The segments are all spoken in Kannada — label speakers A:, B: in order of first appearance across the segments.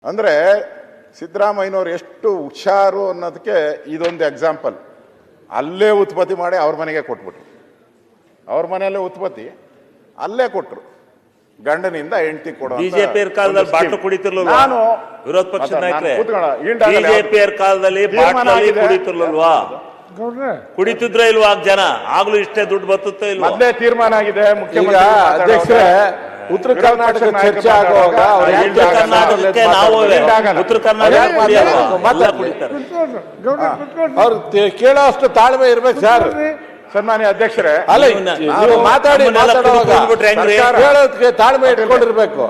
A: ಅಂದರೆ ಸಿದ್ದರಾಮಯ್ಯನವ್ರು ಎಷ್ಟು ಹುಷಾರು ಅನ್ನೋದಕ್ಕೆ ಇದೊಂದು ಎಕ್ಸಾಂಪಲ್. ಅಲ್ಲೇ ಉತ್ಪತ್ತಿ ಮಾಡಿ ಅವ್ರ ಮನೆಗೆ ಕೊಟ್ಬಿಟ್ರು. ಅವ್ರ ಮನೆಯಲ್ಲೇ ಉತ್ಪತ್ತಿ ಅಲ್ಲೇ ಕೊಟ್ಟರು. ಗಂಡನಿಂದ ಹೆಂಡತಿ ಕೊಡೋ
B: ಬಿಜೆಪಿ ಕಾಲದಲ್ಲಿ ಬಾಟ್ಲು ಕುಡಿತಿರ್ಲಿಲ್ವಾ?
A: ನಾನು
B: ವಿರೋಧ ಪಕ್ಷದ ನಾಯಕರೇ ಬಿಜೆಪಿ ಕಾಲದಲ್ಲಿ ಬಾಟ್ಲಲ್ಲಿ ಕುಡಿತಿರ್ಲಿಲ್ವಾ? ಕುಡಿತಿದ್ರೆ ಇಲ್ವಾ ಜನ? ಆಗ್ಲೂ ಇಷ್ಟೇ ದುಡ್ಡು ಬರ್ತುತ್ತೋ ಇಲ್ವಾ?
A: ಮೊದಲೇ ತೀರ್ಮಾನ ಆಗಿದೆ. ಮುಖ್ಯಮಂತ್ರಿ
C: ಅಧ್ಯಕ್ಷರೇ, ಉತ್ತರ ಕರ್ನಾಟಕ ಚರ್ಚೆ ಆಗುವಾಗ
B: ಉತ್ತರ ಕರ್ನಾಟಕಕ್ಕೆ ನಾವು ಉತ್ತರ ಕರ್ನಾಟಕ ಕುಡಿತಾರೆ.
C: ಅವ್ರು ಕೇಳೋ ಅಷ್ಟು ತಾಳ್ಮೆ ಇರ್ಬೇಕು ಸರ್.
A: ಸನ್ಮಾನ್ಯ ಅಧ್ಯಕ್ಷರೇ,
C: ಅಲ್ಲ ಮಾತಾಡಿ ಮಾತಾಡುವಾಗ ಕೇಳೋದಕ್ಕೆ ತಾಳ್ಮೆ ಇಟ್ಕೊಂಡಿರ್ಬೇಕು.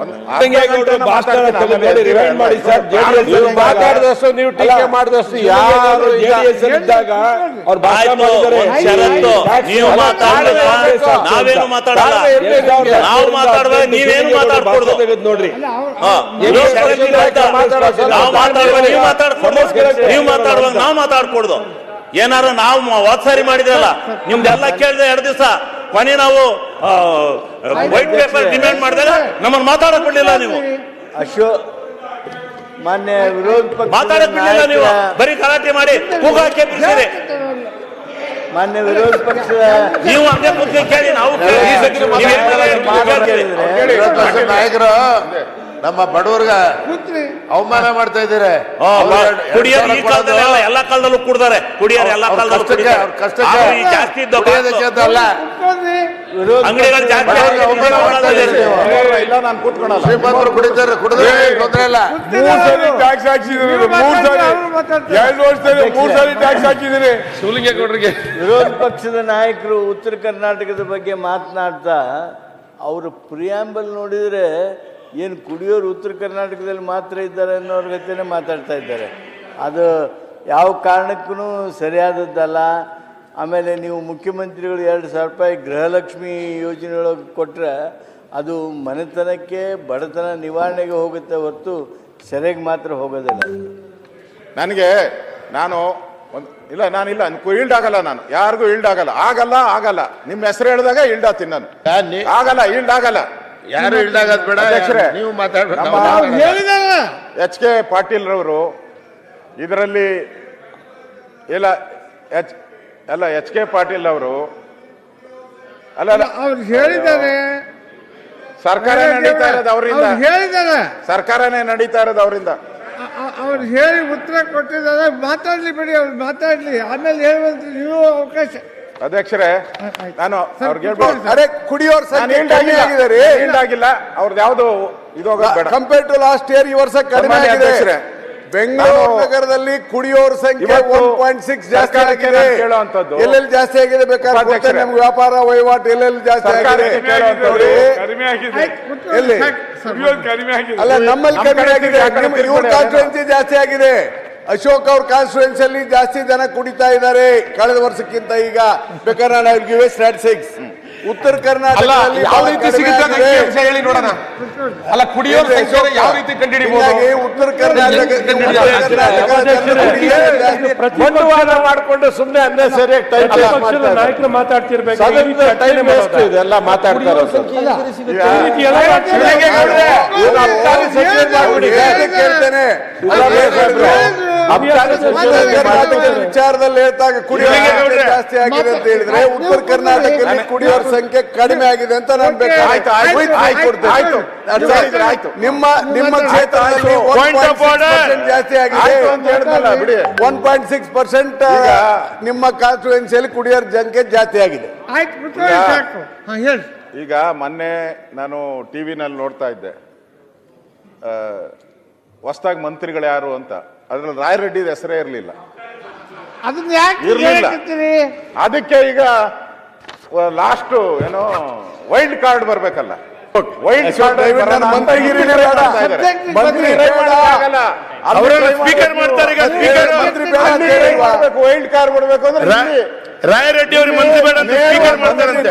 C: ಮಾತಾಡಿದಷ್ಟು ನೀವು ಟೀಕೆ ಮಾಡಿದಷ್ಟು ಯಾರು ಇದ್ದಾಗ ಅವ್ರು
B: ಷರತ್ತು ನೀವು ನಾವೇನು ಮಾತಾಡಲ್ಲ. ನಾವು ಮಾತಾಡುವಾಗ ನೀವೇನು ಮಾತಾಡ್ಕೊಡ್ದು ನೋಡ್ರಿ. ನಾವು ಮಾತಾಡುವಾಗ ನೀವು ಮಾತಾಡ್ಕೊಡ್ದು, ನೀವು ಮಾತಾಡುವಾಗ ನಾವು ಮಾತಾಡ್ಕೊಡ್ದು. ಏನಾರು ನಾವು ವಾತ್ಸಾರಿ ಮಾಡಿದ್ರಲ್ಲ, ನಿಮ್ದೆಲ್ಲ ಕೇಳಿದ್ರೆ 2 ದಿವಸ ಕೊನೆ ನಾವು ವೈಟ್ ಪೇಪರ್ ಡಿಮ್ಯಾಂಡ್ ಮಾಡಿದಾಗ ನಮ್ಮನ್ನು ಮಾತಾಡಕ್ ಬಿಡ್ಲಿಲ್ಲ. ನೀವು
D: ಮಾನ್ಯ ವಿರೋಧ ಪಕ್ಷ
B: ಮಾತಾಡಕ್ ಬಿಡ್ಲಿಲ್ಲ. ನೀವು ಬರೀ ಗಲಾಟೆ ಮಾಡಿ ಕೂಗಾಕೆ ಬಿಡಿಸಿರಿ.
D: ಮಾನ್ಯ ವಿರೋಧ ಪಕ್ಷದ
B: ನೀವು ಹಂಗೆ ಕೂತ್ಕೊಂಡು ಕೇಳಿ, ನಾವು
E: ನಾಯಕರು ನಮ್ಮ ಬಡವರ್ಗ ಅವಮಾನ ಮಾಡ್ತಾ ಇದ್ದಾರೆ.
B: ಕುಡಿಯೋರು ಈ ಕಾಲದಲ್ಲಿ ಎಲ್ಲ ಕಾಲದಲ್ಲೂ ಕುಡ್ದಾರೆ. ಕುಡಿಯೋರು ಎಲ್ಲ ಕಾಲದಲ್ಲೂ ಜಾಸ್ತಿ ಅಂಗಡಿಗಳು ಜಾಸ್ತಿ
A: ಇಲ್ಲ, ನಾನು ಕೂತ್ಕೊಳ್ಳಲ್ಲ.
E: ಶ್ರೀಮಂತರು ಕುಡಿತಾರೆ, ಕುಡಿದ್ರೆ ತೊಂದರೆ ಇಲ್ಲ.
C: 3 ಸರಿ ಟ್ಯಾಕ್ಸ್ ಹಾಕಿಸಿದ್ರು. 2 ವರ್ಷದಲ್ಲಿ 3 ಸರಿ ಟ್ಯಾಕ್ಸ್ ಹಾಕಿದ್ದೀನಿ.
E: ಶಿವಲಿಂಗೇಗೌಡರಿಗೆ
D: ವಿರೋಧ ಪಕ್ಷದ ನಾಯಕರು ಉತ್ತರ ಕರ್ನಾಟಕದ ಬಗ್ಗೆ ಮಾತನಾಡ್ತಾ ಅವರು ಪ್ರಿಯಾಂಬಲ್ ನೋಡಿದರೆ ಏನು ಕುಡಿಯೋರು ಉತ್ತರ ಕರ್ನಾಟಕದಲ್ಲಿ ಮಾತ್ರ ಇದ್ದಾರೆ ಅನ್ನೋರ ಜೊತೆನೇ ಮಾತಾಡ್ತಾ ಇದ್ದಾರೆ. ಅದು ಯಾವ ಕಾರಣಕ್ಕೂ ಸರಿಯಾದದ್ದಲ್ಲ. ಆಮೇಲೆ ನೀವು ಮುಖ್ಯಮಂತ್ರಿಗಳು 2,000 ರೂಪಾಯಿ ಗೃಹಲಕ್ಷ್ಮಿ ಯೋಜನೆಯೊಳಗೆ ಕೊಟ್ಟರೆ ಅದು ಮನೆತನಕ್ಕೆ ಬಡತನ ನಿವಾರಣೆಗೆ ಹೋಗುತ್ತೆ ಹೊರತು ಸೆರೆಗೆ ಮಾತ್ರ ಹೋಗೋದಿಲ್ಲ.
A: ನನಗೆ ನಾನಿಲ್ಲ ಈಲ್ಡ್ ಆಗಲ್ಲ. ನಾನು ಯಾರಿಗೂ ಈಲ್ಡ್ ಆಗಲ್ಲ. ನಿಮ್ಮ ಹೆಸರು ಹೇಳಿದಾಗ ಈಲ್ಡ್ ಆತೀನಿ ನಾನು. ಆಗಲ್ಲ, ಈಲ್ಡ್ ಆಗಲ್ಲ.
E: ಯಾರು ಇಲ್ದಾಗದ್ ಬೇಡ. ನೀವು
A: ಎಚ್ ಕೆ ಪಾಟೀಲ್ ರವರು ಇದರಲ್ಲಿ ಎಚ್ ಕೆ ಪಾಟೀಲ್ ಅವರು
F: ಅವ್ರು ಹೇಳಿದ್ದಾರೆ.
A: ಸರ್ಕಾರನೇ ನಡೀತಾ ಇರೋದು ಅವರಿಂದ. ಸರ್ಕಾರನೇ ನಡೀತಾ ಇರೋದು ಅವರಿಂದ.
F: ಅವ್ರು ಹೇಳಿ ಉತ್ತರ ಕೊಟ್ಟಿದ್ದಾರೆ. ಮಾತಾಡ್ಲಿ ಬಿಡಿ, ಅವ್ರು ಮಾತಾಡ್ಲಿ, ಆಮೇಲೆ ಹೇಳುವಂತ ನೀವು ಅವಕಾಶ.
A: ಅಧ್ಯಕ್ಷರೇ, ನಾನು ಅವ್ರಿಗೆ ಹೇಳ್ಬೋದು,
C: ಅರೆ ಕುಡಿಯೋರ್
A: ಈಲ್ಡ್ ಆಗಿಲ್ಲ. ಅವ್ರದ್ದು ಯಾವ್ದು ಇದೋಗ
C: ಕಂಪೇರ್ ಟು ಲಾಸ್ಟ್ ಇಯರ್ ಈ ವರ್ಷ ಕಡಿಮೆ ಆಗಿದೆ. ಬೆಂಗಳೂರು ನಗರದಲ್ಲಿ ಕುಡಿಯೋರ್ ಸಂಖ್ಯೆ 1.6 ಜಾಸ್ತಿ ಆಗಿದೆ. ಎಲ್ಲೆಲ್ಲಿ ಜಾಸ್ತಿ ಆಗಿದೆ ಬೇಕಾದ್ರೆ ನಮ್ಗೆ ವ್ಯಾಪಾರ ವಹಿವಾಟು ಎಲ್ಲೆಲ್ಲಿ ಜಾಸ್ತಿ ಆಗಿದೆ ಎಲ್ಲಿ ಅಲ್ಲ ನಮ್ಮಲ್ಲಿ ಕಡಿಮೆ ಆಗಿದೆ. ಇವ್ರ ಕಾನ್ಸ್ಟಿಟ್ಯೂನ್ಸಿ ಜಾಸ್ತಿ ಆಗಿದೆ. ಅಶೋಕ್ ಅವ್ರ ಕಾನ್ಸ್ಟಿಟ್ಯೂನ್ಸಿಯಲ್ಲಿ ಜಾಸ್ತಿ ಜನ ಕುಡಿತಾ ಇದ್ದಾರೆ ಕಳೆದ ವರ್ಷಕ್ಕಿಂತ. ಈಗ ಬೇಕಾದ್ರೆ ಸ್ಟ್ಯಾಟಿಸ್ಟಿಕ್ಸ್ ಉತ್ತರ ಕರ್ನಾಟಕದಲ್ಲಿ
E: ಯಾವ ರೀತಿ ಸಿಗುತ್ತೆ ಹೇಳಿ ನೋಡೋಣ. ಅಲ್ಲ ಕುಡಿಯೋರ ಸಂಖ್ಯೆ ಯಾವ ರೀತಿ ಕಂಡುಹಿಡಿಯಬಹುದು?
C: ಉತ್ತರ ಕರ್ನಾಟಕ ಬಂಡವಾಳ ಮಾಡಿಕೊಂಡು ಸುಮ್ಮನೆ ಅನ್ನೇ ಸರಿಯಾಗಿ
F: ನಾಯಕರು ಮಾತಾಡ್ತಿರ್ಬೇಕು.
C: ಟೈಮ್ ವೇಸ್ಟ್ ಇದೆಲ್ಲ ಮಾತಾಡ್ತಾರೆ. ಕೇಳ್ತೇನೆ ವಿಚಾರದಲ್ಲಿ ಹೇಳ್ತಾಗ ಕುಡಿಯೋರ ಜಾಸ್ತಿ ಆಗಿದೆ ಅಂತ ಹೇಳಿದ್ರೆ ಉತ್ತರ ಕರ್ನಾಟಕದಲ್ಲಿ ಕುಡಿಯೋರ ಸಂಖ್ಯೆ ಕಡಿಮೆ ಆಗಿದೆ ಅಂತ ನಾನು ನಿಮ್ಮ ಕ್ಷೇತ್ರದಲ್ಲಿ 1.6% ಜಾಸ್ತಿ ಆಗಿದೆ. 1.6% ನಿಮ್ಮ ಕಾನ್ಸ್ಟಿಟ್ಯೂನ್ಸಿಯಲ್ಲಿ ಕುಡಿಯೋರ ಸಂಖ್ಯೆ ಜಾಸ್ತಿ ಆಗಿದೆ.
A: ಈಗ ಮೊನ್ನೆ ನಾನು ಟಿವಿನಲ್ಲಿ ನೋಡ್ತಾ ಇದ್ದೆ, ಹೊಸದಾಗಿ ಮಂತ್ರಿಗಳು ಯಾರು ಅಂತ. ಅದ್ರಲ್ಲಿ ರಾಯರೆಡ್ಡಿ ಹೆಸರೇ ಇರಲಿಲ್ಲ. ಅದಕ್ಕೆ ಈಗ ಲಾಸ್ಟ್ ಏನೋ ವೈಲ್ಡ್ ಕಾರ್ಡ್ ಬರ್ಬೇಕಲ್ಲ. ವೈಲ್ಡ್ ಕಾರ್ಡ್
B: ಸ್ಪೀಕರ್ ಮಾಡ್ತಾರೆ.
A: ವೈಲ್ಡ್ ಕಾರ್ಡ್ ಬರ್ಬೇಕು ಅಂದ್ರೆ
B: ರಾಯರೆಡ್ಡಿ ಅವರು ಮಂತ್ರಿ ಬೇಡ ಅಂತ ಸ್ಪೀಕರ್ ಮಾಡ್ತಾರಂತೆ.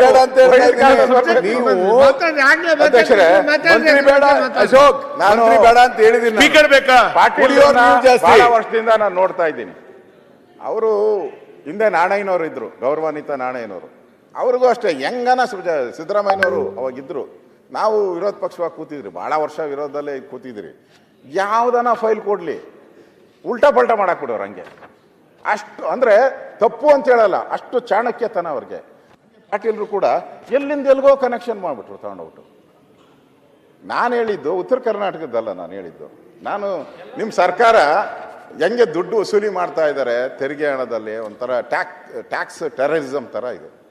A: ಅಧ್ಯಕ್ಷರೇ, ಮಂತ್ರಿ ಬೇಡ ಅಶೋಕ್, ನಾನು ಬೇಡ ಅಂತ ಹೇಳಿದ್ದೀನಿ.
B: ಸ್ಪೀಕರ್ ಬೇಕಾ?
A: ಪಾಟೀಲ್ ಬಹಳ ವರ್ಷದಿಂದ ನಾನು ನೋಡ್ತಾ ಇದ್ದೀನಿ. ಅವರು ಹಿಂದೆ ನಾಣಯ್ಯನವರು ಇದ್ರು, ಗೌರವಾನ್ವಿತ ನಾಣಯ್ಯನವರು. ಅವ್ರಿಗೂ ಅಷ್ಟೇ ಹೆಂಗನ ಸಿದ್ದರಾಮಯ್ಯನವರು ಅವಾಗಿದ್ರು. ನಾವು ವಿರೋಧ ಪಕ್ಷವಾಗಿ ಕೂತಿದ್ರಿ, ಬಹಳ ವರ್ಷ ವಿರೋಧದಲ್ಲೇ ಕೂತಿದ್ರಿ. ಯಾವುದನ್ನ ಫೈಲ್ ಕೊಡಲಿ ಉಲ್ಟಾ ಪಲ್ಟಾ ಮಾಡಾಕ್ಬಿಡೋರು ಹಂಗೆ. ಅಷ್ಟು ಅಂದರೆ ತಪ್ಪು ಅಂತ ಹೇಳಲ್ಲ, ಅಷ್ಟು ಚಾಣಕ್ಯತನ ಅವ್ರಿಗೆ. ಪಾಟೀಲ್ರು ಕೂಡ ಎಲ್ಲಿಂದ ಎಲ್ಗೋ ಕನೆಕ್ಷನ್ ಮಾಡಿಬಿಟ್ರು ತಗೊಂಡೋಗ್ಬಿಟ್ಟು. ನಾನು ಹೇಳಿದ್ದು ಉತ್ತರ ಕರ್ನಾಟಕದಲ್ಲ, ನಾನು ಹೇಳಿದ್ದು ನಿಮ್ಮ ಸರ್ಕಾರ ಹೆಂಗೆ ದುಡ್ಡು ವಸೂಲಿ ಮಾಡ್ತಾ ಇದ್ದಾರೆ ತೆರಿಗೆ ಹಣದಲ್ಲಿ, ಒಂಥರ ಟ್ಯಾಕ್ಸ್ ಟೆರರಿಸಮ್ ಥರ ಇದು.